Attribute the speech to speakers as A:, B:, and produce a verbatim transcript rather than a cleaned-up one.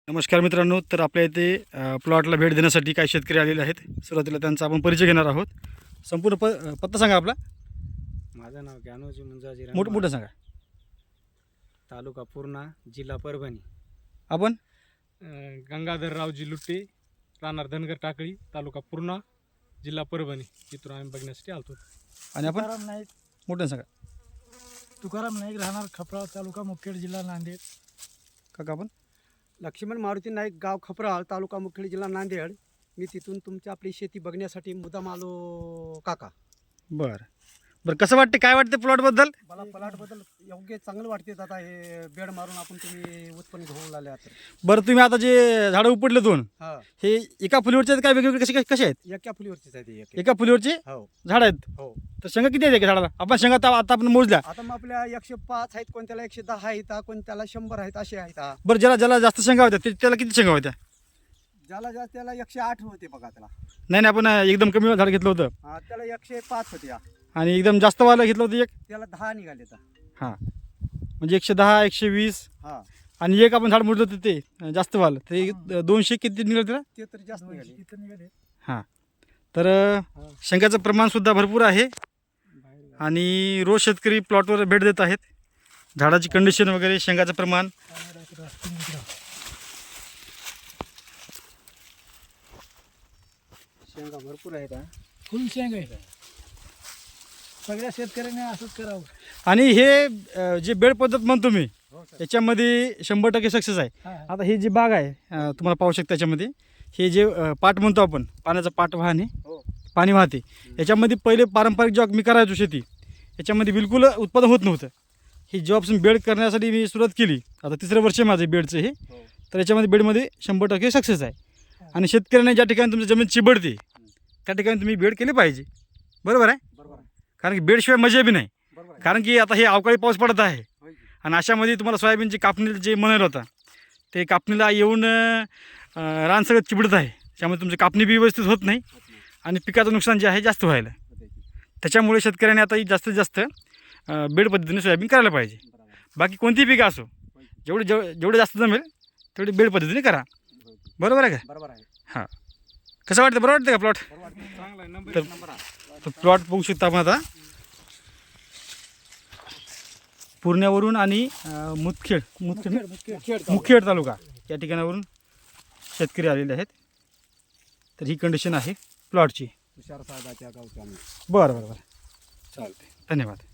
A: नमस्कार मित्रांनो, तर आपल्या इथे अ, प्लॉटला भेट देण्यासाठी काही शेतकरी आलेले आहेत. सुरुवातीला त्यांचा आपण परिचय घेणार आहोत. संपूर्ण प अ, पत्ता सांगा आपला.
B: माझं नाव ज्ञानोजी मुंजाजी
A: मोठं मोठं
B: रामवाड,
A: सांगा.
B: तालुका पूर्णा, जिल्हा परभणी.
A: आपण
B: अं, गंगाधररावजी लुट्टे, राहणार धनगर टाकळी, तालुका पूर्णा, जिल्हा परभणी. इथून आम्ही बघण्यासाठी आलतो.
A: आणि आपण
C: तुकाराम नाईक
A: मोठं सांगा.
C: तुकाराम नाईक राहणार खपराळ, तालुका मुखेड, जिल्हा नांदेड.
A: काका आपण
D: लक्ष्मण मारुती नाईक, गाव खपराळ, तालुका मुखेड, जिल्हा नांदेड. मी तिथून तुमची आपली शेती बघण्यासाठी मुद्दाम आलो काका.
A: बरं बरं कसं वाटते, काय वाटते प्लॉटबद्दल?
D: मला प्लॉटबद्दल योग्य चांगलं वाटते. आता हे बेड मारून आपण तुम्ही उत्पन्न घेऊन आले आता.
A: बरं, तुम्ही आता जे झाडं उपटले दोन,
D: हा,
A: हे एका फुलीवरचे आहेत काय वेगवेगळे, कसे कसे आहेत?
D: एका फुलीवरतीच आहे ते एक.
A: एका फुलीवरचे
D: हो
A: झाड आहेत.
D: हो.
A: तर शेंगा किती आहेत एका झाडाला? आपण शेंगा आता आता आपण मोजल्या.
D: आता मग आपल्या एकशे पाच आहेत, कोणत्याला एकशे दहा आहेत, कोणत्याला शंभर आहेत, असे आहेत. हा.
A: बरं, ज्याला ज्याला जास्त शेंगा होत्या ते त्याला किती शेंगा होत्या?
D: ज्याला ज्या त्याला एकशे आठ होते बघा त्याला.
A: नाही नाही, आपण एकदम कमी झाड घेतलं होतं
D: हा, त्याला एकशे पाच होते. हा.
A: आणि एकदम जास्त वाला घेतलं होतं एक.
D: त्याला दहा निघाले तर.
A: हां, म्हणजे एकशे दहा, एकशे वीस.
D: हा,
A: आणि एक आपण झाड मोजलं होतं ते अं, जास्त वाल ते दोनशे किती निघालं त्याला?
D: ते तर जास्त निघाले.
C: तिथं निघाले.
A: हां, तर अं, शेंगाचं प्रमाणसुद्धा भरपूर आहे. आणि रोज शेतकरी प्लॉटवर भेट देत आहेत. झाडाची कंडिशन वगैरे, शेंगाचं प्रमाण.
D: शेंगा भरपूर आहेत. हा.
C: फुल शेंग आहे. सगळ्या शेतकऱ्यांनी असंच करावं.
A: आणि हे अं, जे बेड पद्धत म्हणतो मी,
D: हो सर.
A: याच्यामध्ये शंभर टक्के सक्सेस आहे.
C: हा, हा.
A: आता ही जी बाग आहे, अं, तुम्हाला पाहू शकता, याच्यामध्ये हे जे अं, पाट म्हणतो आपण, पाण्याचा पाट वाहने,
D: हो.
A: पाणी वाहते. याच्यामध्ये पहिले पारंपरिक जेव्हा मी करायचो शेती, याच्यामध्ये बिलकुल उत्पादन होत नव्हतं. ही जेव्हापासून बेड करण्यासाठी मी सुरुवात केली, आता तिसरं वर्ष आहे माझं बेडचं हे,
D: हो.
A: तर याच्यामध्ये बेडमध्ये शंभर टक्के सक्सेस आहे. आणि शेतकऱ्यांना ज्या ठिकाणी तुमची जमीन चिबडते त्या ठिकाणी तुम्ही बेड केले पाहिजे. बरोबर आहे?
D: बरोबर आहे.
A: कारण की बेडशिवाय मजा बी नाही.
D: बरोबर आहे.
A: कारण की आता हे अवकाळी पाऊस पडत आहे
D: होय की.
A: आणि अशामध्ये तुम्हाला सोयाबीनची कापणी जे म्हणाल होता, ते कापणीला येऊन अं, रान सगळं चिबडत आहे. त्यामुळे तुमची कापणी बी व्यवस्थित होत नाही
D: होत नाही.
A: आणि पिकाचं नुकसान जे आहे जास्त व्हायला.
D: होते की.
A: त्याच्यामुळे शेतकऱ्यांनी आता ही जास्तीत जास्त अं, बेड पद्धतीने सोयाबीन करायला पाहिजे.
D: बरोबर आहे.
A: बाकी कोणतीही पिकं असो,
D: होय की.
A: जेवढे जेव जेवढे जास्त जमेल तेवढी बेड पद्धतीने करा.
D: होय की.
A: बरोबर आहे का?
D: बरोबर आहे.
A: हां, कसं वाटतं? बरं वाटतं का प्लॉट?
D: बरोबर आहे.
B: चांगला आहे, नंबर
A: तर-
B: एक नंबर आहे.
A: तो प्लॉट बघू शकता आपण आता पूर्ण्यावरून आणि अं, मुदखेड मुदखेड
C: मुखेड, मुखेड.
A: मुखेड तालुका या ठिकाणावरून शेतकरी आलेले आहेत. तर ही कंडिशन आहे प्लॉटची.
D: तुषार साहेबाच्या गावच्या आम्ही.
A: बरं बरं बरं,
D: चालते.
A: धन्यवाद.